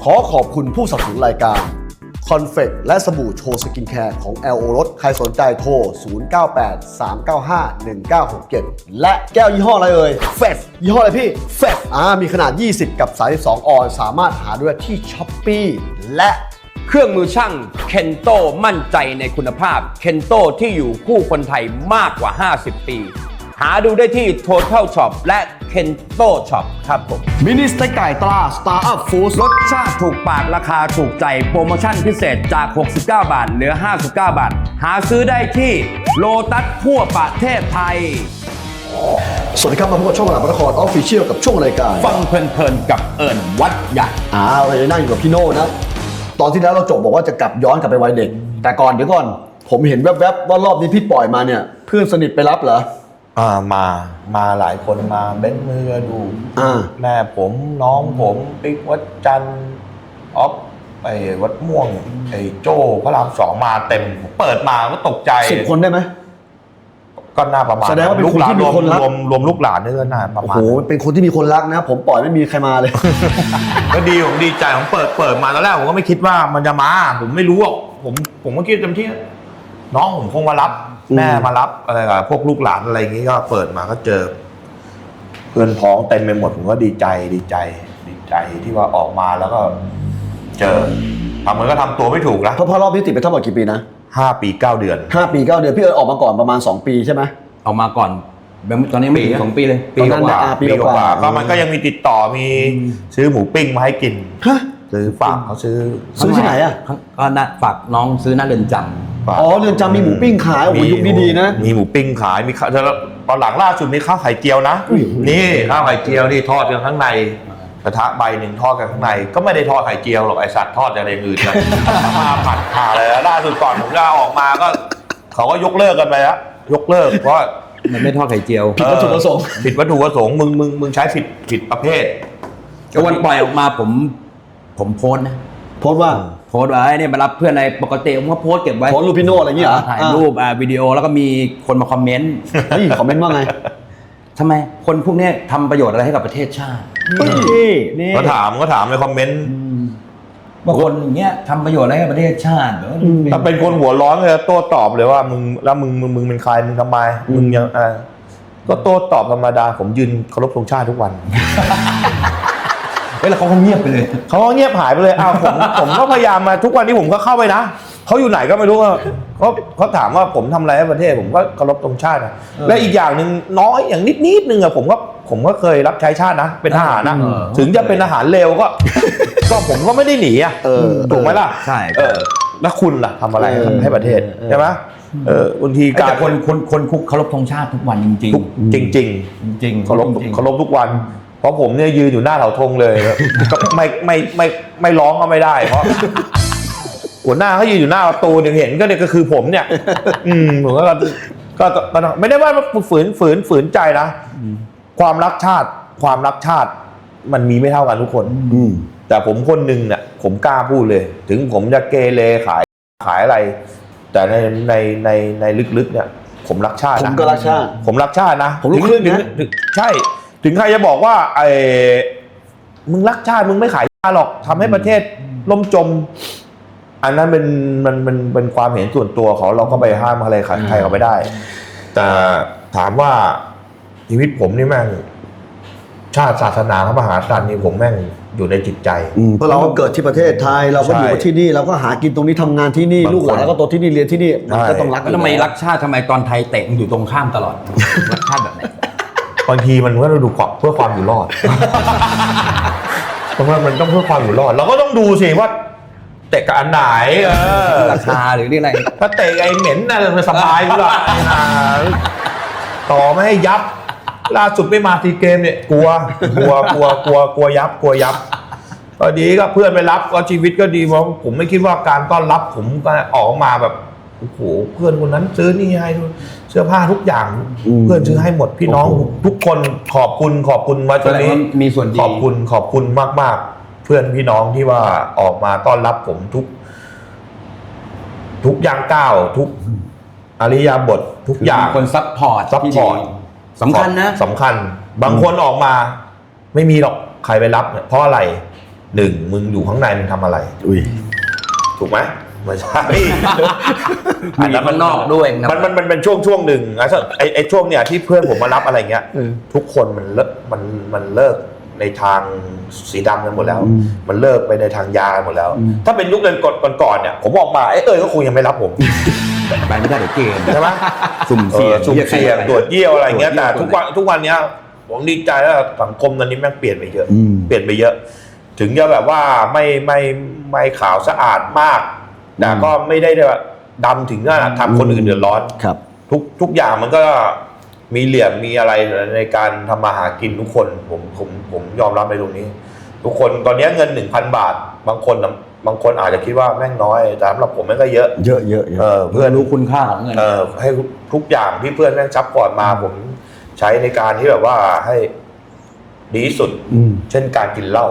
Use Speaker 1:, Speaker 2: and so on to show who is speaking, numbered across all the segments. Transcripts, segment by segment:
Speaker 1: ขอขอบคุณผู้สนับสนุนรายการคอนเฟกและสบู่โชว์สกินแคร์ของ LO รสใครสนใจโทร 0983951967 และแก้วยี่ห้ออะไรเอ่ยเฟสยี่ห้ออะไรพี่เฟสมีขนาด 20 กับ 32 ออนซ์สามารถหาด้วยที่ Shopee และ
Speaker 2: เครื่องมือช่างเคนโตมั่นใจในคุณภาพเคนโตที่อยู่คู่คนไทยมากกว่า 50 ปี หาดูได้ที่ Total Shop และเคนโต Shop ครับผม
Speaker 1: มินิสเต็กไก่ตรา Star Up Food
Speaker 2: รสชาติถูกปากราคาถูกใจโปรโมชั่นพิเศษจาก 69 บาท เหลือ 59 บาท หาซื้อได้ที่โลตัสทั่วประเทศไทย
Speaker 1: สวัสดีครับมาพบกับช่องหลักพระนครออฟฟิเชียลกับช่วงรายการ
Speaker 2: ฟังเพลินๆกับเอิญวัดใหญ่
Speaker 1: เราจะนั่งอยู่กับพี่โน่นะตอนที่แล้วเราจบบอกว่าจะกลับย้อนกลับไปวัยเด็กแต่ก่อนเดี๋ยวก่อนผมเห็นแวบๆว่ารอบนี้พี่ปล่อยมาเนี่ยเพื่อนสนิทไปรับเหรอ
Speaker 3: มาหลายคนมาเบ้นมือดูแม่ผมน้องผมปิ๊กวัดจันทร์ออฟไอ้วัดม่วงไอ้โจ้พระรามสองมาเต็มเปิดมาก็ตกใจ
Speaker 1: 10 คนได้ไหม
Speaker 3: ก็น่าประมาณ
Speaker 1: แสดงว่าเป็นคนที่มีคนรัก
Speaker 3: รวมลูกหลานนี่ก็น่าประมาณ
Speaker 1: โอ้โหเป็นคนที่มีคนรักนะผมปล่อยไม่มีใครมาเลย
Speaker 3: ก็ดีผมดีใจผมเปิดมาตอนแรกผมก็ไม่คิดว่ามันจะมาผมไม่รู้หรอกผมก็คิดเต็มที่น้องผมคงมารับแม่มารับอะไรกับพวกลูกหลานอะไรอย่างงี้ก็เปิดมาก็เจอเพื่อนพ้องเต็มไปหมดผมก็ดีใจที่ว่าออกมาแล้วก็เจอทำเหมือนก็ทำตัวไม่ถูกนะ
Speaker 1: เพราะรอบนี้ติดไปทั้งหมดกี่ปีนะ
Speaker 3: 5 ปี 9 เดือน
Speaker 1: 5 ปี 9 เดือนพี่เอิญออกมาก่อนประมาณ2 ปีใช่ไหม
Speaker 2: ออกมาก่อนตอนนี้ไม่ถึง2 ปีเลย
Speaker 3: ปีกว่าก็มันก็ยังมีติดต่อมีซื้อหมูปิ้งมาให้กินซื้อฝากเขาซื้อ
Speaker 1: ที่ไหนอ่ะ
Speaker 2: ก็ฝากน้องซื้อหน้าเรือนจำ
Speaker 1: เรือนจำมีหมูปิ้งขายโอ้ยยุคนี้ดีนะ
Speaker 3: มีหมูปิ้งขายมีตอนหลังล่าสุดมีข้าวไข่เจียวนะนี่ข้าวไข่เจียวนี่ทอดกันข้างในกระทะใบหนึ่งทอดกันข้างในก็ไม่ได้ทอดไข่เจียวหรอกไอสัตว์ทอดอะไรอื่นเลยมาผัดผ่าเลยล่าสุดก่อนผมจะออกมาก็เขาก็ยกเลิกกันไปแล้วยกเลิกเพราะ
Speaker 2: มันไม่ทอดไข่เจียว
Speaker 1: ผิดวัตถุประสงค์
Speaker 3: มึงใช้ผิดประเภท
Speaker 2: ก็วันปล่อยออกมาผมโพสนะ
Speaker 1: โพสว่า
Speaker 2: เนี่ยมารับเพื่อนในปกติผมก็โพสเก็บไว้
Speaker 1: โพสรูปพี่โน่อะไรอย่างเงี้ย
Speaker 2: ถ่ายรูปวิดีโอแล้วก็มีคนมาคอมเมนต์
Speaker 1: คอมเมนต์ว่าไง
Speaker 2: ทำไมคนพวกนี้ทำประโยชน์อะไรให้กับประเทศชาติ
Speaker 3: นี่ก็ถามในคอมเมนต์
Speaker 2: บางคนอย่างเงี้ยทำประโยชน์อะไรให้ประเทศชาติ
Speaker 3: ถ้าเป็นคนหัวร้อนเลยโต้ตอบเลยว่ามึงเป็นใครมึงทำไมมึงยังก็โต้ตอบธรรมดาผมยืนเคารพธงชาติทุกวัน
Speaker 2: แล้วเขาเงียบไปเลย
Speaker 3: เขาเงียบหายไปเลยผมก็พยายามมาทุกวันนี้ผมก็เข้าไปนะเขาอยู่ไหนก็ไม่รู้เขาถามว่าผมทำอะไรให้ประเทศผมก็เคารพธงชาติและอีกอย่างหนึ่งน้อยอย่างนิดนึงผมก็เคยรับใช้ชาตินะเป็นทหารนะถึงจะเป็นทหารเลวก็ผมก็ไม่ได้หนีถูกไหมล่ะ
Speaker 2: ใช่
Speaker 3: แล้วคุณล่ะทำอะไรให้ประเทศใช่ไหมบางที
Speaker 2: การคนคุกเคารพธงชาติทุกวันจริง
Speaker 3: จริงเคารพทุกวันเพราะผมเนี่ยยืนอยู่หน้าเสาธงเลยก็ไม่ร้องก็ไม่ได้เพราะหัวหน้าเขายืนอยู่หน้าประตูเห็นก็คือผมเนี่ยผมก็ไม่ได้ว่าฝืนใจนะความรักชาติมันมีไม่เท่ากันทุกคนแต่ผมคนหนึ่งเนี่ยผมกล้าพูดเลยถึงผมจะเกเรขายอะไรแต่ในลึกๆเนี่ยผมรักชาติ
Speaker 1: ผมก็รักชาติ
Speaker 3: นะ
Speaker 1: ผมรู้ครึ่งนะ
Speaker 3: ใช่ถึงใครจะบอกว่ามึงรักชาติมึงไม่ขายชาติหรอกทำให้ประเทศล่มจมอันนั้นเป็นความเห็นส่วนตัวเขาเราก็ไปห้ามอะไรใครเขาไม่ได้แต่ถามว่าชีวิตผมนี่แม่งชาติศาสนาพระมหากษัตริย์นี่ผมแม่งอยู่ในจิตใจ
Speaker 1: เพราะเราก็เกิดที่ประเทศไทยเราก็อยู่ที่นี่เราก็หากินตรงนี้ทำงานที่นี่ลูกหลานแล้วก็โตที่นี่เรียนที่นี่มันก็ต้องรัก
Speaker 2: ทำไมรักชาติทำไมตอนไทยเตะมันอยู่ตรงข้ามตลอดรักชาติแบบไหน
Speaker 3: บางทีมันก็ต้องดูเพื่อความอยู่รอดเพราะว่ามันต้องเพื่อความอยู่รอดเราก็ต้องดูสิว่าเตะกับอันไหน
Speaker 2: ราคาหรือนี่อะไร
Speaker 3: ถ้าเตะไอ้เหม็นน่ะมันสบายอยู่ละต่อไม่ให้ยับล่าสุดไม่มาทีเกมเนี่ยกลัวยับพอดีก็เพื่อนไปรับก็ชีวิตก็ดีเพราะผมไม่คิดว่าการต้อนรับผมก็ออกมาแบบโอ้โหเพื่อนคนนั้นซื้อนี่ให้เสื้อผ้าทุกอย่างเพื่อนซื้อให้หมดพี่น้องทุกคนขอบคุณมาตรงนี้
Speaker 2: มีส่วนดี
Speaker 3: ขอบคุณมากเพื่อนพี่น้องที่ว่าออกมาต้อนรับผมทุกย่างก้าวทุกอริยบททุกอย่าง
Speaker 2: คนซัพพอร์ตสำคัญนะ
Speaker 3: สำคัญบางคนออกมาไม่มีหรอกใครไปรับเนี่ยเพราะอะไร 1มึงอยู่ข้างในมึงทำอะไร
Speaker 1: อุ้ย
Speaker 3: ถูกไหมไม่ใช่
Speaker 2: มีข้างนอกด้วยนะ
Speaker 3: มันเป็นช่วงหนึ่งนะไอ้ช่วงเนี้ยที่เพื่อนผมมารับอะไรเงี้ยทุกคนมันเลิกในทางสีดำกันหมดแล้ว มันเลิกไปในทางยาหมดแล้ว ถ้าเป็นยุคเดินก่อนเนี่ยผมออกมาก็คงยังไม่รับผม
Speaker 2: ไปไม่ได้เดี๋ยวเกณฑ์
Speaker 3: ใช่ไหม
Speaker 2: สุ่มเสี่ยง
Speaker 3: สุ่มเสี่ยงตรวจเยี่ยวอะไรเงี้ยแต่ทุกวันเนี้ยผมดีใจแล้วสังคมตอนนี้แม่งเปลี่ยนไปเยอะเปลี่ยนไปเยอะ ถึงจะแบบว่าไม่ขาวสะอาดมากแต่ก็ไม่ได้แบบดำถึงขนาดทำคนอื่นเดือดร้อน
Speaker 1: ครับ
Speaker 3: ทุกอย่างมันก็มีเหลี่ยมมีอะไรในการทำมาหากินทุกคนผมยอมรับในตรงนี้ ทุกคนตอนนี้เงิน 1,000 บาทบางคนอาจจะคิดว่าแม่งน้อยแต่สำหรับผมแม่งก็เยอะ
Speaker 1: เยอะ
Speaker 3: เพื่อน
Speaker 2: รู้คุณค่าของเงิน
Speaker 3: ให้ทุกอย่างที่เพื่อนแม่งซัพพอร์ตมาผมใช้ในการที่แบบว่าให้ดีที่สุดเช่นการกินเหล้า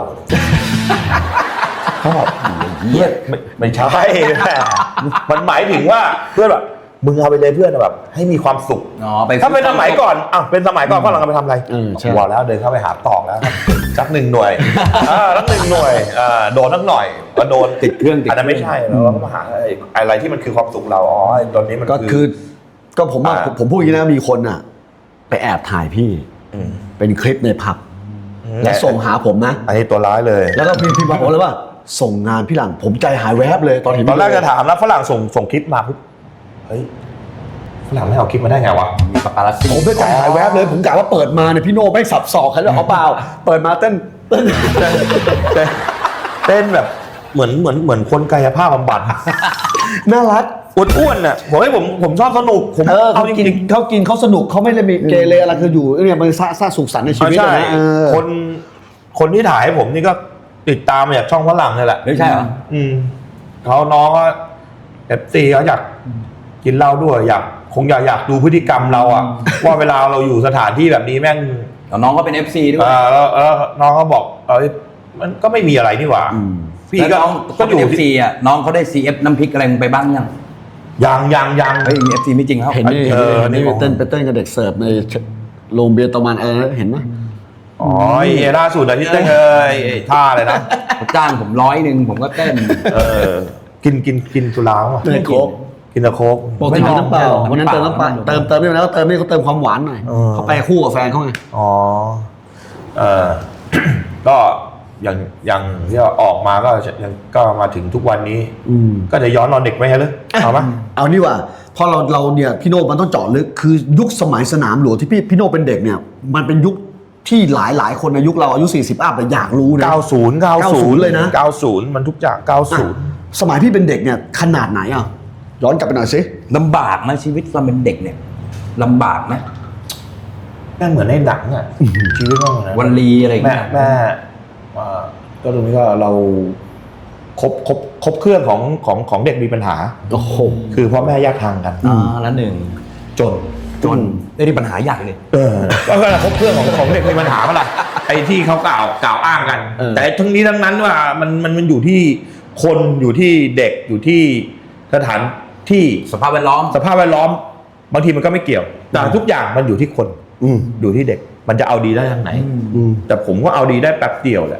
Speaker 3: ชอบไม่ใช่มันหมายถึงว่าเพื่อนแบบมึงเอาไปเลยเพื่อนแบบให้มีความสุขถ้าเป็นสมัยก่อนเป็นสมัยก่อนฝรั่งเอาไปทำอะไรบอกแล้วเดินเข้าไปหาตอกแล้วสัก1 หน่วยสัก1 หน่วยโดนสักหน่อยก็โดน
Speaker 2: ติดเครื่อง
Speaker 3: อันนั้นไม่ใช่เราก็มาหาอะไรที่มันคือความสุขเราตอนนี้มัน
Speaker 1: ก็ผมพูดอย่างนี้นะมีคนอ่ะไปแอบถ่ายพี่เป็นคลิปในผับและส่งหาผมนะ
Speaker 3: อันนี้ตัวร้ายเลย
Speaker 1: แล้วก็พี่บอกเลยว่าส่งงานพี่หลังผมใจหายแวบเลยตอนเห็น
Speaker 3: ตอนแรกจะถามแล้วฝรั่งส่งคลิปมาปุ๊บเฮ้ยฝรั่งไม่เอาคลิปมาได้ไงวะ
Speaker 2: มีปาปารัสซี่
Speaker 1: ผมใจหายแวบเลยผมกะว่าเปิดมาเนี่ยพี่โน่ไม่สับศอกใครเลยเอาเปล่าเปิดมาเต้น
Speaker 3: แบบเหมือนคนกายภาพบำบัด
Speaker 1: น่ารัก
Speaker 3: อ้วนๆน่ะผมชอบสนุก
Speaker 1: เขากินเขาสนุกเขาไม่ได้มีเกเรอะไรคืออยู่เนี่ยมันสร้างสุขสันต์ในชีวิตนะ
Speaker 3: คนที่ถ่ายให้ผมนี่ก็ติดตามมาจากช่องฝรั่งนี่แหละ
Speaker 2: ไม่ใช่เหรอ
Speaker 3: เขาน้องก็FCเขาอยากกินเหล้าด้วยคงอยากดูพฤติกรรมเราอะว่าเวลาเราอยู่สถานที่แบบนี้แม่ง
Speaker 2: น้องก็เป็น FC ด้วย
Speaker 3: แล้วน้องก็บอกมันก็ไม่มีอะไรนี่หว่า
Speaker 2: พี่ก็อยู่ FC อ่ะน้องเขาได้ CF น้ำพริกอะไรไปบ้าง
Speaker 3: ยัง
Speaker 2: เฮ้ย FC ไม่จริงครับ
Speaker 1: เห็นนี่ไปเต้นกับเด็กเสิร์ฟในโรงเบียร์ตะมันเห็นไหม
Speaker 3: ล่าสุดที่เต้นท่าเลยนะ
Speaker 2: จ้างผม100ผมก็เต้น
Speaker 3: กินสุราป่ะ
Speaker 1: ไม่โค้ก
Speaker 3: กินแต่โค้ก
Speaker 1: ปกติกินน้ำเปล่าวันนั้นเติมน้ำเปล่าเติมนี่แล้วเติมนี่เขาเติมความหวานหน่อยเขาไปคู่กับแฟนเขาไง
Speaker 3: ก็อย่างที่ออกมาก็มาถึงทุกวันนี้ก็จะย้อนนอนเด็กไหมฮะเลยเอาไหม
Speaker 1: เอานี่ว่าพอเราเนี่ยพี่โน่มันต้องเจาะลึกคือยุคสมัยสนามหลวงที่พี่โน่เป็นเด็กเนี่ยมันเป็นยุคที่หลายคนในยุคเราอายุ40อัพแต่อยากรู้นะ
Speaker 3: 90
Speaker 1: เลยนะ
Speaker 3: 90มันทุกอย่าง90
Speaker 1: สมัยพี่เป็นเด็กเนี่ยขนาดไหนย้อนกลับไปหน่อยสิ
Speaker 2: ลำบากไหมชีวิตตอนเป็นเด็กเนี่ยลำบากไหม
Speaker 3: แม่เหมือนในหนังชีวิตว่าเหมือน
Speaker 2: วันลีอะไรอย่างเงี้ย
Speaker 3: แม่ก็ตรงนี้ก็เราครบเครื่องของเด็กมีปัญหา
Speaker 1: โอ้โห
Speaker 3: คือพ่อแม่แยกทางกัน
Speaker 2: แล้วจนได้ปัญหาใหญ่เลย
Speaker 3: ก็ครบเครื่องของเด็กมีปัญหาเมื่อไหร่ไอ้ที่เขากล่าวอ้างกันแต่ทั้งนี้ทั้งนั้นว่ามันอยู่ที่คนอยู่ที่เด็กอยู่ที่สถานที่
Speaker 2: สภาพแวดล้อม
Speaker 3: บางทีมันก็ไม่เกี่ยวแต่ทุกอย่างมันอยู่ที่คนอยู่ที่เด็กมันจะเอาดีได้ทางไหนแต่ผมก็เอาดีได้แป๊บเดียวแหละ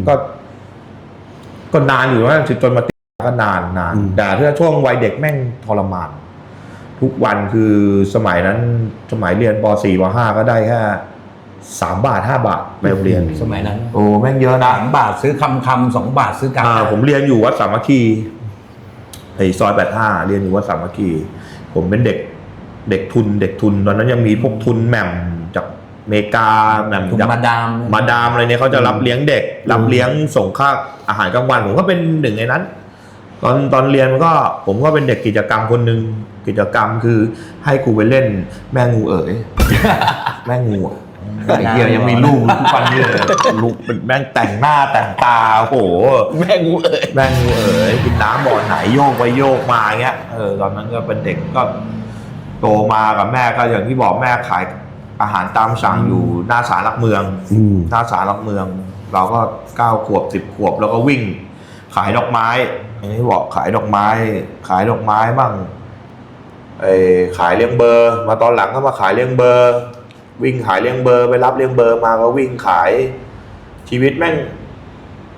Speaker 3: ก็นานอยู่ว่าจนมาติดก็นานแต่ถ้าช่วงวัยเด็กแม่งทรมานทุกวันคือสมัยนั้นสมัยเรียนป .4 ป .5 ก็ได้แค่3 บาท 5 บาทไปโรงเรียน
Speaker 2: สมัยนั้น
Speaker 3: โอ้แม่งเยอะนะ
Speaker 2: 3 บาทซื้อคำ2 บาทซื้อกา
Speaker 3: ผมเรียนอยู่วัดสามัคคีซอย85เรียนอยู่วัดสามัคคีผมเป็นเด็กทุนตอนนั้นยังมีพวกทุนแหม่มจากอเมริกาแหม่มจาก
Speaker 2: มา
Speaker 3: ดามอะไรเนี่ยเขาจะรับเลี้ยงเด็กรับเลี้ยงส่งค่าอาหารกลางวันผมก็เป็นหนึ่งในนั้นตอนเรียนผมก็เป็นเด็กกิจกรรมคนหนึ่งกิจกรรมคือให้ครูไปเล่นแม่งูแม่งูเฮียยังมีลูกทุกวันนี้เลยลูกเป็นแม่งแต่งหน้าแต่งตาโอ้โห
Speaker 1: แม่งู
Speaker 3: กินน้ำบ่อไหนโยกไปโยกมาเงี้ยตอนนั้นก็เป็นเด็กก็โตมากับแม่ก็อย่างที่บอกแม่ขายอาหารตามสั่งอยู่หน้าศาลหลักเมืองเราก็9 ขวบ 10 ขวบแล้วก็วิ่งขายดอกไม้อย่างที่บอกขายดอกไม้บ้างขายเลี้ยงเบอร์มาตอนหลังก็มาขายเลี้ยงเบอร์วิ่งขายเลี้ยงเบอร์ไปรับเลี้ยงเบอร์มาก็วิ่งขายชีวิตแม่ง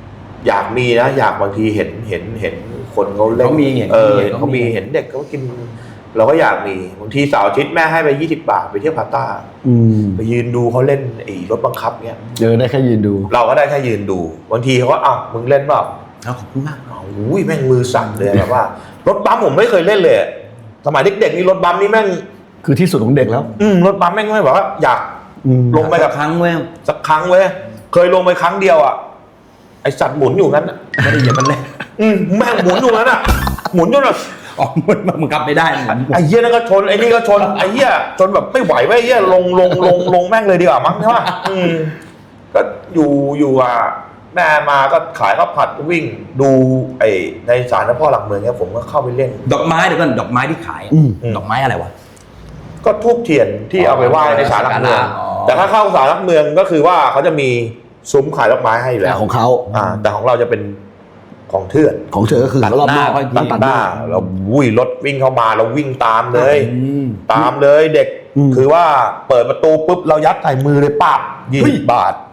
Speaker 3: อยากมีนะอยากบางทีเห็นคนเขาเล่น
Speaker 2: เขามีเห็น
Speaker 3: เขามีเห็นเด็กเขากิน เราก็อยากมีบางทีเสาร์อาทิตย์แม่ให้ไป20 บาทไปเที่ยวพาต้าไปยืนดูเขาเล่นไอ้รถบังคับเนี้ย
Speaker 1: ได้แค่ยืนดู
Speaker 3: เราก็ได้แค่ยืนดูบางทีเขาก็อ้าวมึงเล่นเปล่าขอบคุณมากโอ้ยแม่งมือสั่นเลยแบบว่ารถบัมผมไม่เคยเล่นเลยสมัยเด็กๆนี่รถบัมนี่แม่ง
Speaker 1: คือที่สุดของเด็กแล้ว
Speaker 3: รถบัมแม่งไม่แบบว่าอยากลงไปกับ
Speaker 2: ครั้งเว้ย
Speaker 3: สักครั้งเว้ยเคยลงไปครั้งเดียวอ่ะไอสัตว์หมุนอยู่นั้น
Speaker 2: ไม่ได้เหยียบมันเลย
Speaker 3: แม่งหมุนอยู่นั้นอ่ะหมุนจนแบบ
Speaker 2: มึงกลับไม่ได้
Speaker 3: ไอ้เหี้ยนั่นก็ชนไอ้นี่ก็ชนไอ้เหี้ยจนแบบไม่ไหวไอ้เหี้ยลงแม่งเลยดีกว่ามั้งใช่ป่ะก็อยู่อ่ะแม่มาก็ขายข้าวผัดวิ่งดูไอ้ในศาลเจ้าพ่อหลักเมืองเนี่ยผมก็เข้าไปเล่น
Speaker 2: ดอกไม้เดี๋ยวก่อนดอกไม้ที่ขายดอกไม้อะไรวะ
Speaker 3: ก็ทูบเทียนที่เอาไปไหว้ในศาลหลักเมืองแต่ถ้าเข้าศาลหลักเมืองก็คือว่าเขาจะมีซุ้มขายดอกไม้ให้อยู่แล้ว
Speaker 1: ของเขา
Speaker 3: แต่ของเราจะเป็นของเถื่อน
Speaker 1: ของเถื่อนก็คือ
Speaker 2: รอบหน้า
Speaker 3: ตัดหน้าเรารถวิ่งเข้ามาเราวิ่งตามเลยเด็กคือว่าเปิดประตูปุ๊บเรายัดใส่มือเลยปั๊บ20 บาท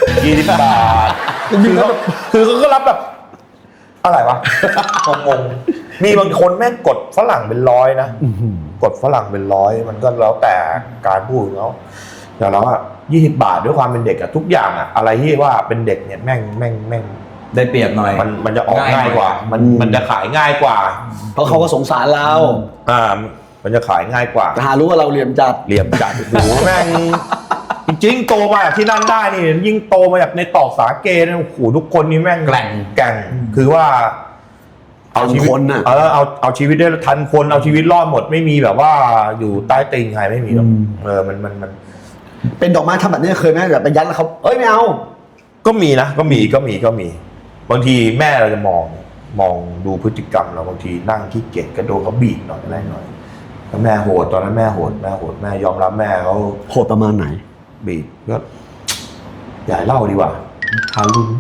Speaker 3: 20 บาทคือเขาก็รับแบบอะไรวะงงมีบางคนแม่งกดฝรั่งเป็น100นะกดฝรั่งเป็น100มันก็แล้วแต่การพูดเขาแต่เราอะ20 บาทด้วยความเป็นเด็กอะทุกอย่างอะอะไรที่ว่าเป็นเด็กเนี่ยแม่ง
Speaker 2: ได้เปรียบหน่อย
Speaker 3: มันจะออกง่ายกว่ามันจะขายง่ายกว่า
Speaker 1: เพราะเขาก็สงสารเรา
Speaker 3: มันจะขายง่ายกว่า
Speaker 1: หารู้ว่าเราเหลี่ยมจัด
Speaker 3: โอ้โหแม่งจริงๆโตมาจากที่นั่นได้นี่ยิ่งโตมาจากในตอกสาเกเนี่ยโอ้โหทุกคนนี่แม่งแกร่งคือว่า
Speaker 1: เอาชีวิต
Speaker 3: เอาชีวิตได้ทันคนเอาชีวิตรอดหมดไม่มีแบบว่าอยู่ใต้ตีนใครไม่มีหรอกมัน
Speaker 1: เป็นดอกไม้ทำแบบนี้เคยไหมแบบไปยัดแล้วเขาไม่เอา
Speaker 3: ก็มีนะก็มีบางทีแม่เราจะมองดูพฤติกรรมเราบางทีนั่งขี้เกียจกระโดดเขาบีบหน่อยอะไรหน่อยแล้วแม่โหดตอนนั้นแม่โหดแม่ยอมรับแม่เขา
Speaker 1: โหดประมาณไหน
Speaker 3: บีบก็อย่าเล่าดีกว่าทารุณ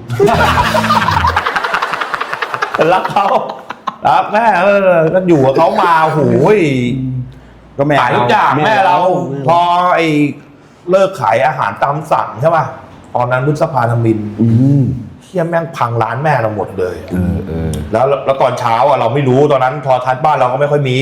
Speaker 3: รักเขารักแม่ก็อยู่กับเขามาโอ้ยก็แม่ขายทุกอย่างแม่เราพอไอ้เลิกขายอาหารตามสั่งใช่ป่ะตอนนั้นพฤษภาธมินเที่ยแม่งพังร้านแม่เราหมดเลยแล้วตอนเช้าอ่ะเราไม่รู้ตอนนั้นพอทัดบ้านเราก็ไม่ค่อยมี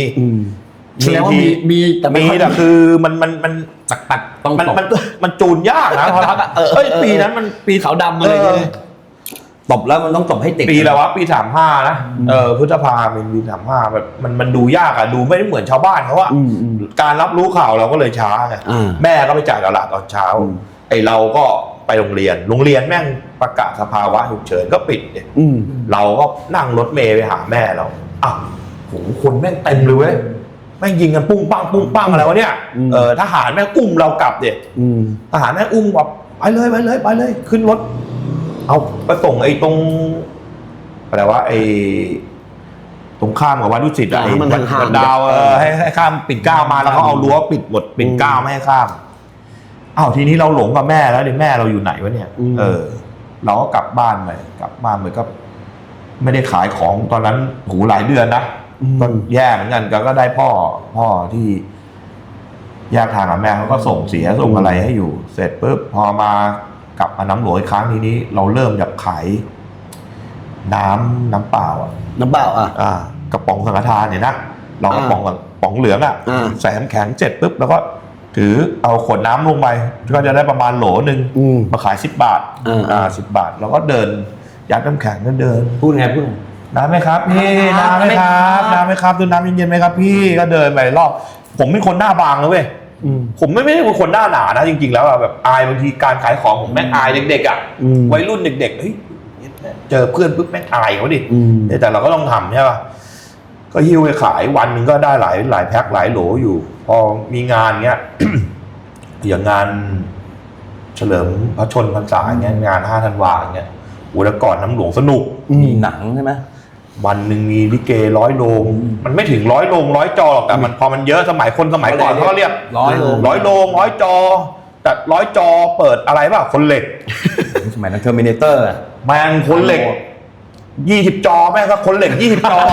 Speaker 3: แต่คือมัน
Speaker 2: ตักต้อง
Speaker 3: มันจูนยากนะพอทัดปีนั้นมันปี
Speaker 1: ขาวดำอะไร
Speaker 2: ตบแล้วมันต้องตบให้ติด
Speaker 3: ปีแล้ววะปี35นะพฤษภาเป็นปี35แบบมันดูยากอ่ะดูไม่ได้เหมือนชาวบ้านเขาว่าการรับรู้ข่าวเราก็เลยช้าไงแม่ก็ไปจ่ายตลาดตอนเช้าไอเราก็ไปโรงเรียนแม่งประกาศสภาวะฉุกเฉินก็ปิดเนี่ยเราก็นั่งรถเมล์ไปหาแม่เราโหคนแม่งเต็มเลยเว้ยแม่งยิงกันปุ้งปังอะไรวะเนี่ยทหารแม่งอุ้มเรากลับเด็ดทหารแม่งอุ้มแบบไปเลยขึ้นรถเอาไปส่งไอ้ตรงอะไรวะไอ้ตรงข้ามกับวัดดุสิตไอ้วัดดาวให้ข้ามปิ่นเกล้ามาแล้วเขาเอารั้วปิดหมดปิ่นเกล้าไม่ให้ข้ามทีนี้เราหลงกับแม่แล้วแม่เราอยู่ไหนวะเนี่ยเราก็กลับบ้านเหมือนก็ไม่ได้ขายของตอนนั้นหูหลายเดือนนะก็แย่เหมือนกันก็ได้พ่อที่แยกทางกับแม่เขาก็ส่งเสียส่งอะไรให้อยู่เสร็จปุ๊บพอมากลับมาน้ำหลวงอีกครั้งนี้เราเริ่มจากขายน้ำเปล่ากระป๋องสังฆทานเนี่ยนะเรากระป๋องเหลืองใส่น้ำแข็งเสร็จปุ๊บแล้วก็ถือเอาขวดน้ำลงไปก็จะได้ประมาณโหลนึงมาขาย10 บาท10 บาทเราก็เดินยัดน้ำแข็งก็เดิน
Speaker 2: พูดไง
Speaker 3: น้ำไหมครับพี่น้ำไหมครับดูน้ำเย็นๆไหมครับพี่ก็เดินไปรอบผมเป็นคนหน้าบางนะเว้ยผมไม่ได้เป็นคนหน้าหนานะจริงๆแล้วแบบอายบางทีการขายของผมแม่งอายเด็กๆวัยรุ่นเด็กๆเฮ้ยเจอเพื่อนปุ๊บแม่งอายเขาดิแต่เราก็ต้องทำใช่ป่ะก็หิ้วไปขายวันนึงก็ได้หลายแพ็คหลายโหลอยู่พอมีงานเงี้ย อย่างงานเฉลิมพระชนพรรษาเงี้ยงาน5 ธันวาเงี้ยแล้วก่อนน้ำหลวงสนุก
Speaker 2: มีหนังใช่ไหม
Speaker 3: วันหนึ่งมีลิเก100 โรงมันไม่ถึง100 โรง100 จอหรอกแต่มันพอมันเยอะสมัยก่อนเขาเรียก100 โรง100 จอแต่100 จอเปิดอะไรป่ะคนเหล็ก
Speaker 2: สมัยนั้นเทอร์มิเนเตอร์
Speaker 3: แม่งคนเหล็ก20 จอแม่งก็คนเหล็ก20 จอ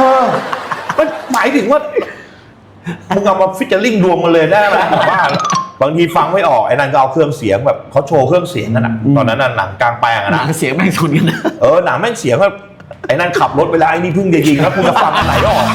Speaker 3: มันหมายถึงว่ามึงเอามาฟิชเชอร์ลิงรวมกันเลยได้ไหมว่าบางทีฟังไม่ออกไอ้นั่นก็เอาเครื่องเสียงแบบเขาโชว์เครื่องเสียงนั่นน่ะตอนนั้นน่ะหนังกลางแปลงอะ
Speaker 1: หนั
Speaker 3: นะ
Speaker 1: งเสียงแม่งชนกันนะ
Speaker 3: หนังแม่งเสียงแบบไอ้นั่นขับรถไปแล้วไอ้นี่เพิ่งจะยิงแล้วคุณจะฟังอันไหนออก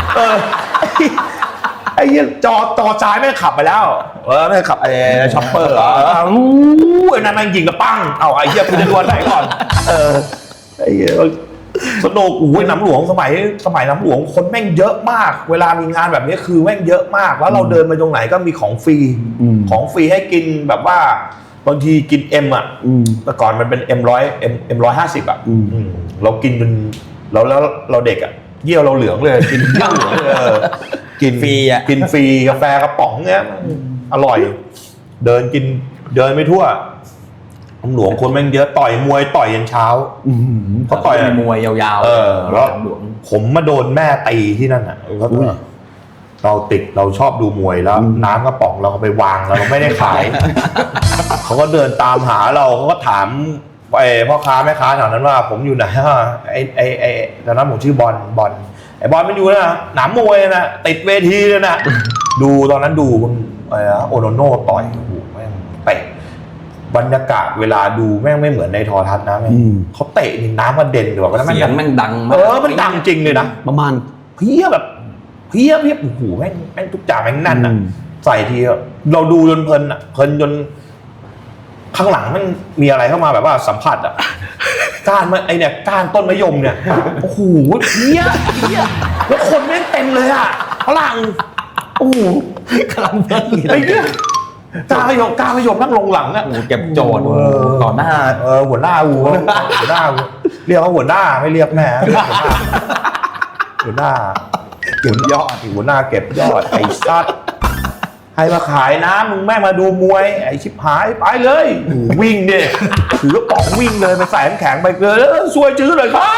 Speaker 3: ไอ้เหี้ยจอซ้ายแม่งขับไปแล้วแม่งขับไอ้ช็อปเปอร์ไอ้นั่นแม่งยิงกระปั้งเอาไอ้เหี้ยคุณจะดวลไหนก่อนไอ้เหี้ยสนุกหนำหลวงสมัยน้ำหลวงคนแม่งเยอะมาก เวลามีงานแบบนี้คือแม่งเยอะมากแล้วเราเดินไปตรงไหนก็มีของฟรีของฟรีให้กินแบบว่าบางทีกินเอ็มอ่ะแต่ก่อนมันเป็นM150อ่ะเรากินจนแล้วเราเด็กอ่ะเยี่ยวเราเหลืองเลยกินเยี่ยวเหลืองเลยกินฟรีอ่ะกินฟรีกาแฟกระป๋องเงี้ยอร่อยเดินไม่ทั่วน้ำหลวงคนแม่งเยอะต่อยมวยต่อยยันเช้าเขาต่อยมวยยาวๆแล้วผมมาโดนแม่ตีที่นั่นอ่ะเราชอบดูมวยแล้วน้ำกระป๋องเราไปวางแล้วเราไม่ได้ขายเขาก็เดินตามหาเราเขาก็ถามพ่อค้าแม่ค้าแถวนั้นว่าผมอยู่ไหนไอ้ตอนนั้นผมชื่อบอลไอ้บอลมันอยู่นะหนามมวยนะติดเวทีเลยนะดูตอนนั้นดูโอโนโน่ต่อยโอ้โหแม่งเตะบรรยากาศเวลาดูแม่งไม่เหมือนในโทรทัศน์นะเขาเตะนี่น้ำมันเด่นแบบว่าเสียงแม่งดังมากมันดังจริงเลยนะประมาณเพี้ยโอ้โหแม่งทุกจ่าแม่งนั่นอ่ะใส่ทีเราดูจนเพลินจนข้างหลังมันมีอะไรเข้ามาแบบว่าสัมผัสอ่ะก้านไอเนี่ยก้านต้นมะยมเนี่ยโอ้โหเพี้ยแล้วคนแม่งเต็มเลยอ่ะฝรั่งโอ้โหกำลังไอ้เนี่ยก้านมะยมนั่งลงหลังอ่ะ
Speaker 2: เก็บโจทย์ต่อหน้า
Speaker 3: หัวหน้าเรียกเขาหัวหน้าไม่เรียกแม่หัวหน้าเก็บยอดหัวหน้าเก็บยอดไอ้ซัดให้มาขายน้ำมึงแม่มาดูมวยไอ้ชิบหายไปเลยวิ่งดิถือกระป๋องวิ่งเลยไปใส่น้ำแข็งไปเลยซวยจื้อเลยครับ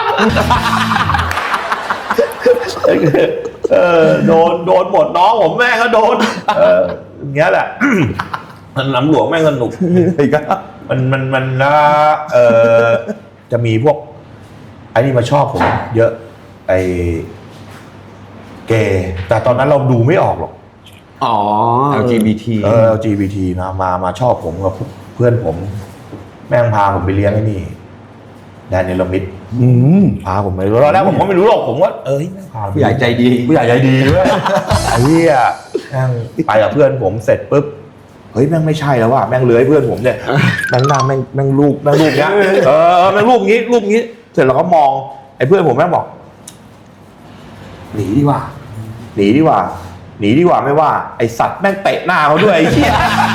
Speaker 3: โดนหมดน้องผมแม่ก็โดนอย่างเงี้ยแหละน้ำหลวงแม่งสนุกมันนะจะมีพวกไอ้นี่มาชอบผมเยอะไอ้เกย์แต่ตอนนั้นเราดูไม่ออกหรอก
Speaker 2: LGBT
Speaker 3: LGBT มาชอบผมกับเพื่อนผมแม่งพาผมไปเลี้ยงไอ้นี่แดนเนลมิดพาผมไปตอนแรกผมก็ไม่รู้หรอกผมว่า
Speaker 2: ผู้ใหญ่ใจดี
Speaker 3: ด้วยไอ้เหี้ยแม่งไปกับเพื่อนผมเสร็จปุ๊บเฮ้ยแม่งไม่ใช่แล้วว่ะแม่งเลื้อยเพื่อนผมเนี่ยแม่งหน้าแม่งรูปเนี้ยแม่งรูปงี้เสร็จเราก็มองไอ้เพื่อนผมแม่งบอกหนีดีกว่าไม่ว่าไอสัตว์แม่งเตะหน้าเขาด้วยไอ้เหี้ย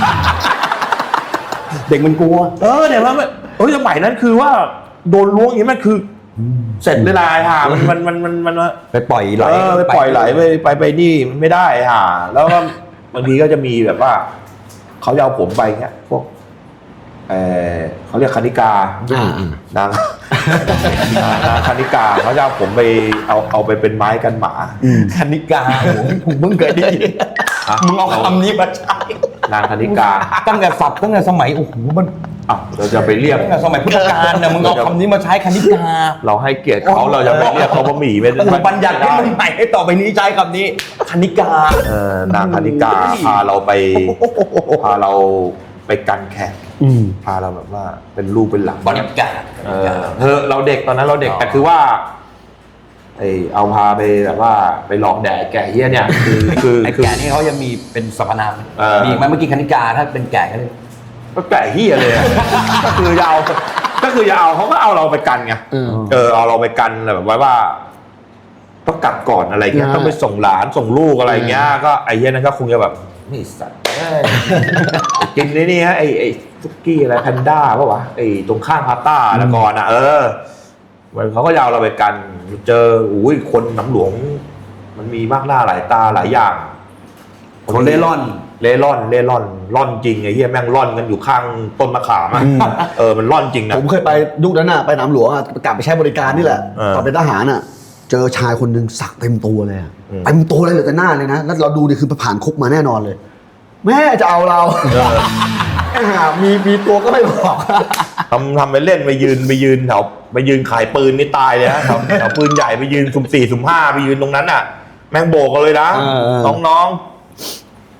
Speaker 3: เด็กมันกลัวเดี๋ยวแล้วสมัยนั้นคือว่าโดนล้วงอย่างนี้มันคือเสร็จเวลาค่ะมัน
Speaker 2: ไปปล่อยไหล
Speaker 3: ไปนี่ไม่ได้ค่ะแล้วก็บางทีก็จะมีแบบว่าเขาจะเอาผมไปเงี้ยพวกเขาเรียกคณิกานางคณิกาเขาจะเอาผมไปเอาไปเป็นไม้กันหมา
Speaker 2: คณิกาผมเพิ่งเคยได้ยินมึงเอาคำนี้มาใช้
Speaker 3: นางคณิกา
Speaker 2: ตั้งแต่สมัยโอ้โหมัน
Speaker 3: เราจะไปเรียก
Speaker 2: ตั้งแต่สมัยพุทธกาลเนี่ยมึงเอาคำนี้มาใช้คณิกา
Speaker 3: เราให้เกียรติเขาเราจะไปเรียกเขาว่าหมี่ไม่ได้
Speaker 2: บัญญัติให้มึงใหม่ให้ต่อไปนี้ใช้คำนี้คณิก
Speaker 3: านางคณิกาพาเราไปกันแข่งพาเราแบบว่าเป็นลูกเป็นหลัง
Speaker 2: บรรยากาศ
Speaker 3: เราเด็กตอนนั้นเราเด็กแต่คือว่าเอาพาไปแบบว่าไปหลอกแดกแก่เฮี้ยเนี่ยคือ
Speaker 2: ไอ้แก่นี่เขายังมีเป็นสรรพนามมีไหมเมื่อกี้คณิกาถ้าเป็นแก่
Speaker 3: ก็แก่เฮี้ยเลยก็คือจะเอาเขาก็เอาเราไปกันไงเอาเราไปกันแบบว่าต้องกลับก่อนอะไรเงี้ยต้องไปส่งหลานส่งลูกอะไรเงี้ยก็ไอ้เฮี้ยนั้นก็คงจะแบบนี่สัตว์กินนี่ฮะไอ้ซุกี้อะไรแพนด้าป่ะวะไอ้ตรงข้างพาต้าแล้วก่อนอ่ะเขาก็ยาวเราไปกันเจอคนน้ำหลวงมันมีมากหน้าหลายตาหลายอย่าง
Speaker 2: คนเล่ร่
Speaker 3: อนจริงไอ้เหี้ยแม่งร่อนกันอยู่ข้างต้นมะขามมันร่อนจริงนะ
Speaker 1: ผมเคยไปยุคนั้นน่ะไปน้ำหลวงอ่ะกลับไปใช้บริการนี่แหละตอนเป็นทหารอ่ะเจอชายคนหนึ่งสักเต็มตัวเลยเต็มตัวเลยเหลือแต่หน้าเลยนะแล้วเราดูดิคือผ่านคุกมาแน่นอนเลยแม่จะเอาเรามีตัวก็ไม่บอก
Speaker 3: ทำไปเล่นไปยืนแถวไปยืนขายปืนนี่ตายเลยฮะแถวปืนใหญ่ไปยืนสุ่ม 4 สุ่ม 5ไปยืนตรงนั้นน่ะแม่งโบกกันเลยนะน้อง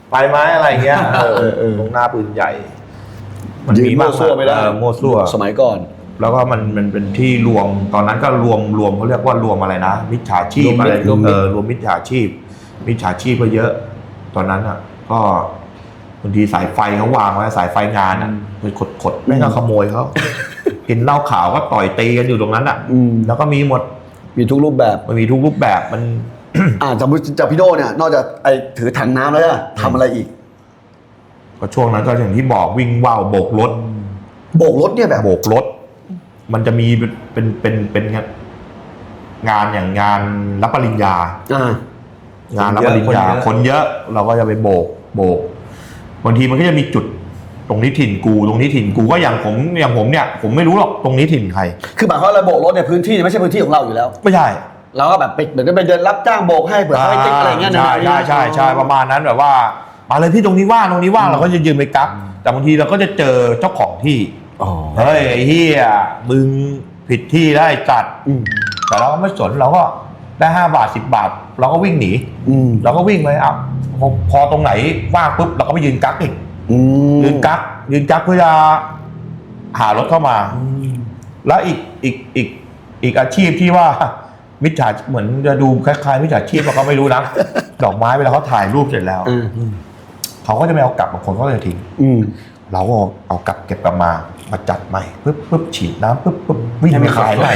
Speaker 3: ไปไหมอะไรเงี้ยตรงหน้าปืนใหญ่
Speaker 1: ยืนมั่วซั่วไม่ได้
Speaker 3: มั่วซั่ว
Speaker 1: สมัยก่อน
Speaker 3: แล้วก็มันเป็นที่รวมตอนนั้นก็รวมเขาเรียกว่ารวมอะไรนะมิจฉาชีพอะไรรวมมิจฉาชีพก็เยอะ ตอนนั้นอ่ะก็บางทีสายไฟเขาวางไว้สายไฟงานอ่ะไปขดไม่ก็ขโมยเขา กินเหล้าขาวก็ต่อยตีกันอยู่ตรงนั้นอ่ะแล้วก็มีหมด
Speaker 1: มีทุกรูปแบบ
Speaker 3: มันมีทุกรูปแบบมัน
Speaker 1: สมมติจากพี่โน่เนี่ยนอกจากไอ้ถือถังน้ำแล้วอะทำอะไรอีก
Speaker 3: ก็ช่วงนั้นก็อย่างที่บอกวิ่งว่าวโบกรถ
Speaker 1: โบกรถเนี่ยแบบ
Speaker 3: โบกรถ มันจะมีเป็นงานอย่างงานรับปริญญา งานรับปริญญาคนเยอะเราก็จะไปโบกบางทีมันก็จะมีจุดตรงนี้ถิ่นกูตรงนี้ถิ่นกูก็อย่างผมเนี่ยผมไม่รู้หรอกตรงนี้ถิ่นใคร
Speaker 1: คือหมายความว่าเราโบกรถเนี่ยพื้นที่ไม่ใช่พื้นที่ของเราอยู่แล้ว
Speaker 3: ไม่ใช่
Speaker 1: เราก็แบบไปเหมือนกับไปเดินรับจ้างโบกให้เผื่อเขาให้ติ๊กอะไรเงี้ยนะ
Speaker 3: ใช่ประมาณนั้นแบบว่ามาเลยพี่ตรงนี้ว่างเราก็จะยืนไปกักแต่บางทีเราก็จะเจอเจ้าของที่เฮ้ยไอ้เหี้ยมึงผิดที่ได้จัดแต่เราก็ไม่สนเราก็ได้5 บาท 10 บาทเราก็วิ่งหนีเราก็วิ่งไปพอตรงไหนว่างปุ๊บเราก็ไปยืนกักอีกยืนกักเพื่อจะหารถเข้ามาแล้วอีกอาชีพที่ว่ามิจฉาเหมือนจะดูคล้ายๆมิจฉาชีพเราก็ไม่รู้นะ ดอกไม้เวลาเขาถ่ายรูปเสร็จแล้วเขาก็จะไม่เอากลับบางคนเขาจะทิ้งเราก็เอากลับเก็บกลับมาจัดใหม่ปึ๊บฉีดน้ำปึ๊บวิ่งไปขายใหม่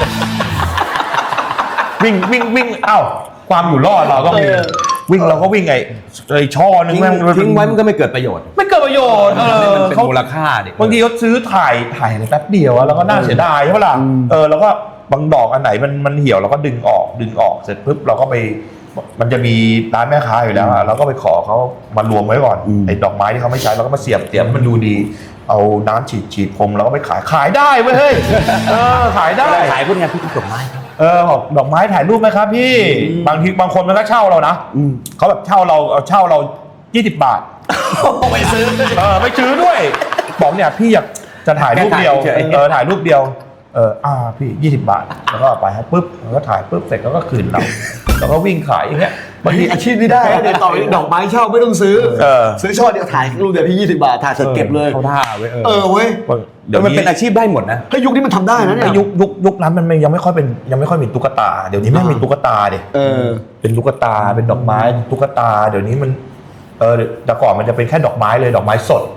Speaker 3: วิ่งเอ้าความอยู่รอดเราก็มีวิ่งเราก็วิ่งไอ้ช่อนึง
Speaker 2: ทิ้งไว้มันก็ไม่เกิดประโยชน์
Speaker 3: ไม่เกิดประโยชน์
Speaker 2: มันเป็นมูลค่าดิ
Speaker 3: บางทีเขาซื้อถ่ายอะไรแป๊บเดียวแล้วก็น่าเสียดายใช่ไหมล่ะแล้วก็บางดอกอันไหนมันเหี่ยวเราก็ดึงออกเสร็จปุ๊บเราก็ไปมันจะมีร้านแม่ค้าอยู่แล้วเราก็ไปขอเขามารวมไว้ก่อนไอ้ดอกไม้ที่เขาไม่ใช้เราก็มาเสียบมันดูดีเอาน้ำฉีดพรมแล้วก็ไปขายได้เว้ยเฮ้ยขายได้
Speaker 2: ขายพวกนี้พี่ดอกไม้
Speaker 3: บอกดอกไม้ถ่ายรูปไหมครับพี่บางคนมันก็เช่าเรานะเขาแบบเช่าเรา20 บาท
Speaker 2: ไม่ซื้อ
Speaker 3: ไม่ซื้อด้วยบอกเนี่ยพี่อยากจะถ่ายรูปเดียวถ่ายรูปเดียวพี่20 บาทแล้วก็ไปให้ปุ๊บแล้วก็ถ่ายปุ๊บเสร็จแล้วก็คืนเราแล้วก็วิ่งขายอย่างเงี้ย
Speaker 1: บางทีอาชีพนี้ได้เดี๋ยวต่อไปดอกไม้เช่าไม่ต้องซื้อซื้อช่อเดียวถ่ายรูปเดียวพี่20 บาทถ่ายเสร็จเก็บเลย
Speaker 3: เขาท่าเว้ย
Speaker 1: เว้ย
Speaker 2: เดี๋ยวมันเป็นอาชีพได้หมดนะ
Speaker 1: ถ้ายุคนี้มันทำได้นะเนี่ย
Speaker 3: ยุคนั้นมันยังไม่ค่อยมีตุ๊กตาเดี๋ยวนี้ไม่มีตุ๊กตาดิเป็นตุ๊กตาเป็นดอกไม้ตุ๊กตาเดี๋ยวนี้มันแต่ก่อนมันจะเป็นแค่ดอกไม้เลยดอกไม้สด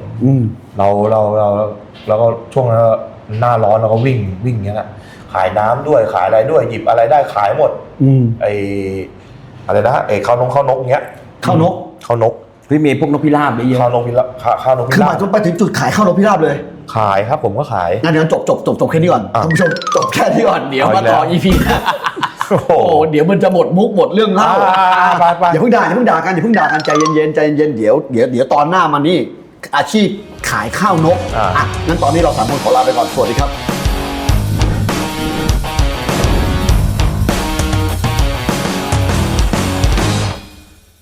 Speaker 3: เราก็ช่วงนั้นหน้าร้อนเราก็วิ่งอย่างเงี้ยขายน้ำด้วยขายอะไรด้วยหยิบอะไรได้ขายหมดอะไรนะข้าวนกเงี้ย
Speaker 1: ข้าวนก
Speaker 2: พี่มีพวกนกพิราบเยอะ
Speaker 3: ข้าวนกพิราบ
Speaker 1: คือหมายถึงไปถึงจุดขายข้าวนกพิราบเลย
Speaker 3: ขายครับผมก็ขาย
Speaker 1: งั้นเดี๋ยวจบแค่นี้ก่อนท่านผู้ชมจบแค่นี้ก่อนเดี๋ยวมาต่อ EP โอ้โหเดี๋ยวมันจะหมดมุกหมดเรื่องเล่าอย่าเพิ่งด่ากันใจเย็นเดี๋ยวตอนหน้ามันนี่อาชีพขายข้าวนกงั้นตอนนี้เรา3 คนขอลาไปก่อนสวัสดีครับ